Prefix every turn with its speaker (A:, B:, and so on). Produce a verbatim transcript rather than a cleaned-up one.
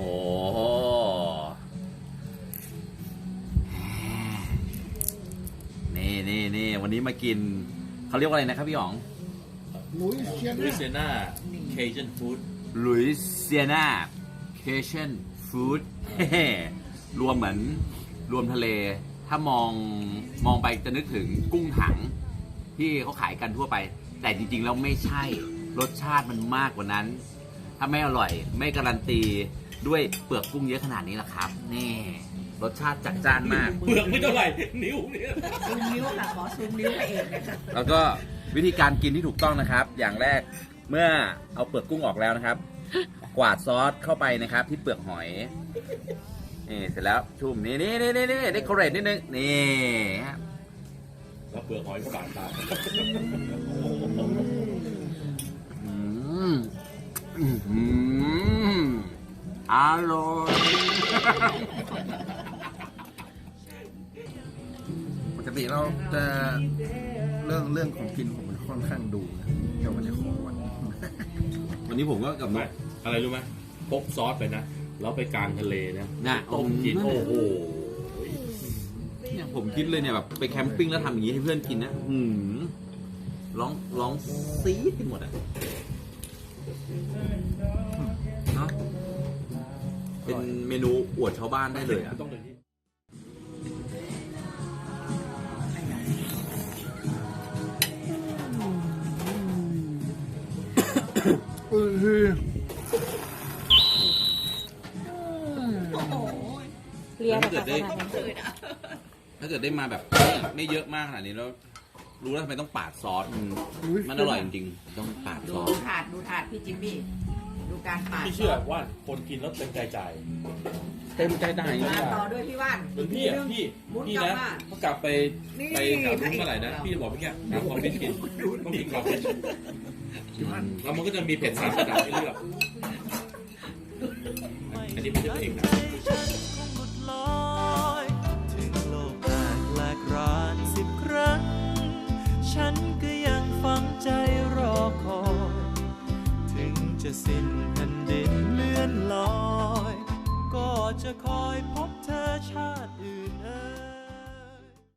A: นี่นี่นี่วันนี้มากินเขาเรียกว่าอะไรนะครับพี่หยอง
B: ลุยเซีย
C: ลุยเซียนาเคเจนฟู้ด
A: ลุยเซียนาเคเชนฟู้ดรวมเหมือนรวมทะเลถ้ามองมองไปจะนึกถึงกุ้งถังที่เขาขายกันทั่วไปแต่จริงๆแล้วไม่ใช่รสชาติมันมากกว่านั้นถ้าไม่อร่อยไม่การันตีด้วยเปลือกกุ้งเยอะขนาดนี้ล่ะครับนี่รสชาติจัดจ้านมาก
C: เปลือกไม่เท่าไหร่นิ้วเนี่ย
D: ซูมนิ้วค่ะขอซูมนิ้วไปเองนะคะ
A: แล้วก็วิธีการกินที่ถูกต้องนะครับอย่างแรกเมื่อเอาเปลือกกุ้งออกแล้วนะครับกวาดซอสเข้าไปนะครับที่เปลือกหอยนี่เสร็จแล้วชุ่มนี่นี่นี่นี่นี่เดคอเรทนิดนึงนี่
C: แล้วเปลือกหอยก็บาดตา
A: อืมอืมอร่อย
B: ปกติเราจะเรื่องเรื่องของกินผมมันค่อนข้างดูนะเดี๋ยววันนี้ขอวัน
A: วันนี้ผมก็กับ
C: ไหมอะไรรู้ไหมพกซอสไปนะแล้วไปกลางทะเลนะ
A: นะ
C: ต้มกินโอ้โห
A: เนี่ยผมคิดเลยเนี่ยแบบไปแคมปิ้งแล้วทำอย่างนี้ให้เพื่อนกินนะอืมร้องร้องซีดกันหมดอ่ะเนาะเป็นเมนูอวดชาวบ้านได้เลยอ่ะ
C: ต้องเลยที่
D: เรียน
A: ถ้าเกิดได้
D: ขนาดนั้น
A: ถ้าเกิดได้มาแบบไม่เยอะมากขนาดนี้แล้วรู้แล้วทำไมต้องปาดซอสมันอร่อยจริงๆต้องปาดซ
D: ดู
A: อส
D: ถาดดูถาดพี่จิมมี่ดูการปาด
C: พี่เชื่อว่าคนกินแล้วเต็มใจจ่าย
A: เต็มใจได้จริง
D: มาต่อด้วยพี่ว่าน
C: เหมือนพี่อ่ะพี่พี่นะเขากลับไปไปกลับรุ่นเมื่อไหร่นะพี่จะบอกพี่แกหาความเป็นกินต้องกินความเป็นแล้วมันก็จะมีเผ็ดสามระดับให้เลือกอันนี้ไม่ใช่เพลงนะ
E: ถึงโลกแตกแหลกรานสิบครั้งฉันก็ยังฝังใจรอคอยถึงจะสิ้นแผ่นดินเลื่อนลอยก็จะคอยพบเธอชาติอื่นเอ่ย